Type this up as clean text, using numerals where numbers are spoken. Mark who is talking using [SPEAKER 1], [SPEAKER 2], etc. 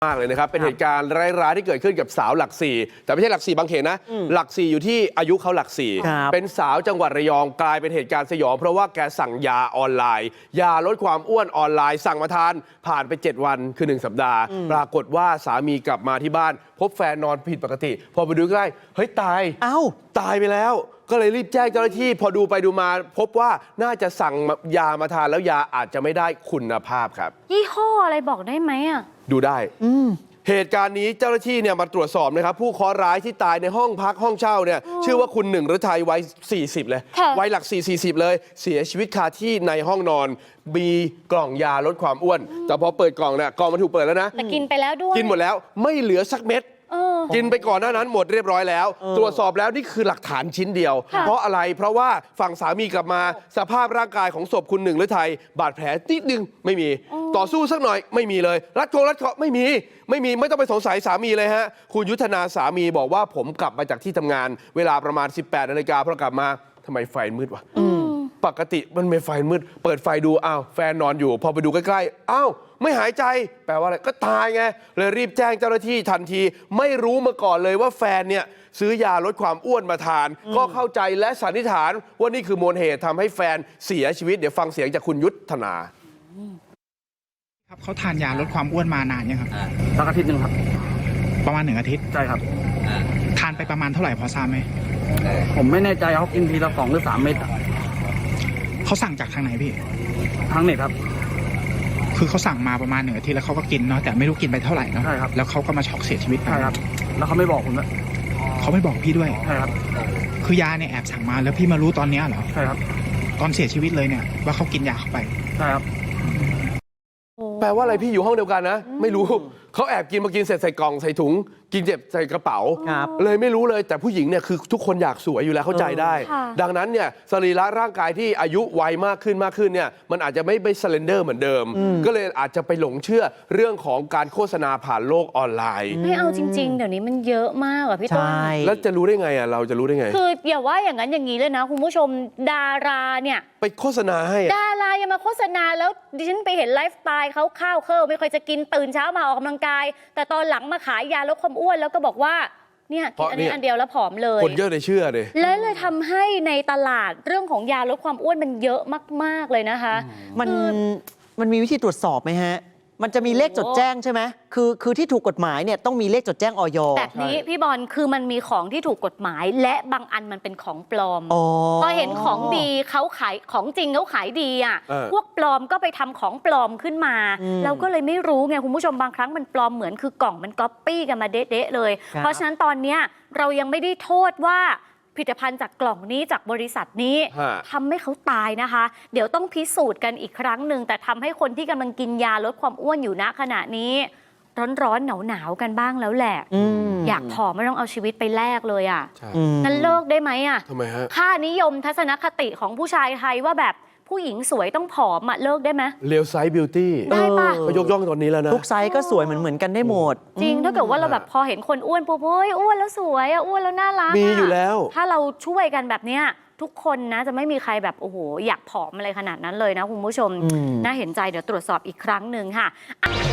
[SPEAKER 1] มากเลยนะครับเป็นเหตุการณ์ร้ายๆที่เกิดขึ้นกับสาวหลักสี่แต่ไม่ใช่หลักสี่บางเขนนะหลักสี่อยู่ที่อายุเขาหลักสี่เป็นสาวจังหวัดระยองกลายเป็นเหตุการณ์สยองเพราะว่าแกสั่งยาออนไลน์ยาลดความอ้วนออนไลน์สั่งมาทานผ่านไป7 วันคือ1 สัปดาห์ปรากฏว่าสามีกลับมาที่บ้านพบแฟนนอนผิดปกติพอไปดูใกล้เฮ้ยตายตายไปแล้วก็เลยรีบแจ้งเจ้าหน้าที่พอดูไปดูมาพบว่าน่าจะสั่งยามาทานแล้วยาอาจจะไม่ได้คุณภาพครับ
[SPEAKER 2] ยี่ห้ออะไรบอกได้ไหมอ่ะ
[SPEAKER 1] ดูได้เหตุการณ์นี้เจ้าหน้าที่เนี่ยมาตรวจสอบนะครับผู้เคราะห์ร้ายที่ตายในห้องพักห้องเช่าเนี่ยชื่อว่าคุณหนึ่งฤทัยวัย40เลยวัยหลัก40เลยเสียชีวิตคาที่ในห้องนอนมีกล่องยาลดความอ้วนแต่พอเปิดกล่องเนี่ยกล่องมันถูกเปิดแล้วนะ
[SPEAKER 2] แต่กินไปแล้วด้วย
[SPEAKER 1] กินหมดแล้วไม่เหลือสักเม็ดกินไปก่อนหน้านั้นหมดเรียบร้อยแล้วตรวจสอบแล้วนี่คือหลักฐานชิ้นเดียวเพราะอะไรเพราะว่าฝั่งสามีกลับมาสภาพร่างกายของศพคุณหนึ่งฤทัยบาดแผลนิดนึงไม่มีต่อสู้สักหน่อยไม่มีเลยรัดเคาะไม่มีไม่ต้องไปสงสัยสามีเลยฮะคุณยุทธนาสามีบอกว่าผมกลับมาจากที่ทำงานเวลาประมาณ 18 นาฬิกาพอกลับมาทำไมไฟมืดวะปกติมันไม่ไฟมืดเปิดไฟดูอ้าวแฟนนอนอยู่พอไปดูใกล้ๆอ้าวไม่หายใจแปลว่าอะไรก็ตายไงเลยรีบแจ้งเจ้าหน้าที่ทันทีไม่รู้มาก่อนเลยว่าแฟนเนี่ยซื้อยาลดความอ้วนมาทานก็เข้าใจและสันนิษฐานว่านี่คือมูลเหตุทำให้แฟนเสียชีวิตเดี๋ยวฟังเสียงจากคุณยุทธนา
[SPEAKER 3] ครับเขาทานยาลดความอ้วนมานานยังครับ
[SPEAKER 4] สักอาทิตย์หนึ่งครับ
[SPEAKER 3] ประมาณ1 อาทิตย์
[SPEAKER 4] ใช่ครับ
[SPEAKER 3] ทานไปประมาณเท่าไหร่พอทราบไหม
[SPEAKER 4] ผมไม่แน่ใจเขากินทีละ2 หรือ 3 เม็ด
[SPEAKER 3] เขาสั่งจากทางไหนพี่
[SPEAKER 4] ทางเน็ตครับ
[SPEAKER 3] คือเขาสั่งมาประมาณ1 อาทิตย์แล้วเขาก็กินเนาะแต่ไม่รู้กินไปเท่าไหร่เนาะ
[SPEAKER 4] ใช่ครับ
[SPEAKER 3] แล้วเขาก็มาช็อกเสียชีวิตไป
[SPEAKER 4] ใช่ครับแล้วเขาไม่บอกผมด้วย
[SPEAKER 3] เขาไม่บอกพี่ด้วย
[SPEAKER 4] ใช่ครับ
[SPEAKER 3] คือยาเนี่ยแอบสั่งมาแล้วพี่มารู้ตอนนี้เหรอ
[SPEAKER 4] ใช่ครับ
[SPEAKER 3] ตอนเสียชีวิตเลยเนี่ยว่าเขากินยาเข้าไป
[SPEAKER 4] ใช่ครับ
[SPEAKER 1] แปลว่าอะไรพี่อยู่ห้องเดียวกันนะไม่รู้เขาแอบกินมากินเสร็จใส่กล่องใส่ถุงกินเจ็บใส่กระเป๋าเลยไม่รู้เลยแต่ผู้หญิงเนี่ยคือทุกคนอยากสวยอยู่แล้วเข้าใจได้ดังนั้นเนี่ยสรีระร่างกายที่อายุวัยมากขึ้นเนี่ยมันอาจจะไม่สเลนเดอร์เหมือนเดิมก็เลยอาจจะไปหลงเชื่อเรื่องของการโฆษณาผ่านโลกออนไลน์
[SPEAKER 2] ไม่เอาจริงๆเดี๋ยวนี้มันเยอะมากอ่ะพี่ต้น
[SPEAKER 1] แล้วจะรู้ได้ไงอ่ะเราจะรู้ได้ไง
[SPEAKER 2] คืออย่าว่าอย่างนั้นอย่างนี้เลยนะคุณผู้ชมดาราเนี่ย
[SPEAKER 1] ไปโฆษณาให้
[SPEAKER 2] ดารายังมาโฆษณาแล้วดิฉันไปเห็นไลฟ์สไตล์เขาข้าวไม่ค่อยจะกินตื่นเช้ามาออกกำลังกายแต่ตอนหลังมาขายยาลดความอ้วนแล้วก็บอกว่าเนี่ยกินอันนี้อันเดียวแล้วผอมเลย
[SPEAKER 1] คนเยอะเลยเชื่อเลย
[SPEAKER 2] แล้วเลยทำให้ในตลาดเรื่องของยาลดความอ้วนมันเยอะมากๆเลยนะคะ
[SPEAKER 5] มันมีวิธีตรวจสอบไหมฮะมันจะมีเลขจดแจ้งใช่ไหมคือที่ถูกกฎหมายเนี่ยต้องมีเลขจดแจ้งอย.
[SPEAKER 2] แบบนี้พี่บอลคือมันมีของที่ถูกกฎหมายและบางอันมันเป็นของปลอมพอเห็นของดีเขาขายของจริงเขาขายดีอ่ะพวกปลอมก็ไปทำของปลอมขึ้นมาเราก็เลยไม่รู้ไงคุณผู้ชมบางครั้งมันปลอมเหมือนคือกล่องมันก๊อปปี้กันมาเด๊ะๆเลยเพราะฉะนั้นตอนนี้เรายังไม่ได้โทษว่าผลิตภัณฑ์จากกล่องนี้จากบริษัทนี้ทำให้เขาตายนะคะเดี๋ยวต้องพิสูจน์กันอีกครั้งหนึ่งแต่ทำให้คนที่กำลังกินยาลดความอ้วนอยู่ณขณะนี้ร้อนหนาวกันบ้างแล้วแหละอยากผอมไม่ต้องเอาชีวิตไปแลกเลยอ่ะนั้นเลิกได้ไหมอ่ะ
[SPEAKER 1] ทำไมฮะ
[SPEAKER 2] ค่านิยมทัศนคติของผู้ชายไทยว่าแบบผู้หญิงสวยต้องผอมอ่ะเลิกได้ไหม
[SPEAKER 1] เลวไซส์บิวตี้
[SPEAKER 2] ได้ปะ
[SPEAKER 1] เขายกย่องตอนนี้แล้วนะ
[SPEAKER 5] ทุกไซส์ก็สวยเหมือนกันได้หมด
[SPEAKER 2] จริงถ้าเกิดว่าเราแบบพอเห็นคนอ้วนปุ๊บอ้วนแล้วสวยอ่ะอ้วนแล้วน่ารัก
[SPEAKER 1] มีอยู่แล้ว
[SPEAKER 2] ถ้าเราช่วยกันแบบเนี้ยทุกคนนะจะไม่มีใครแบบโอ้โหอยากผอมอะไรขนาดนั้นเลยนะคุณผู้ชมน่าเห็นใจเดี๋ยวตรวจสอบอีกครั้งหนึ่งค่ะ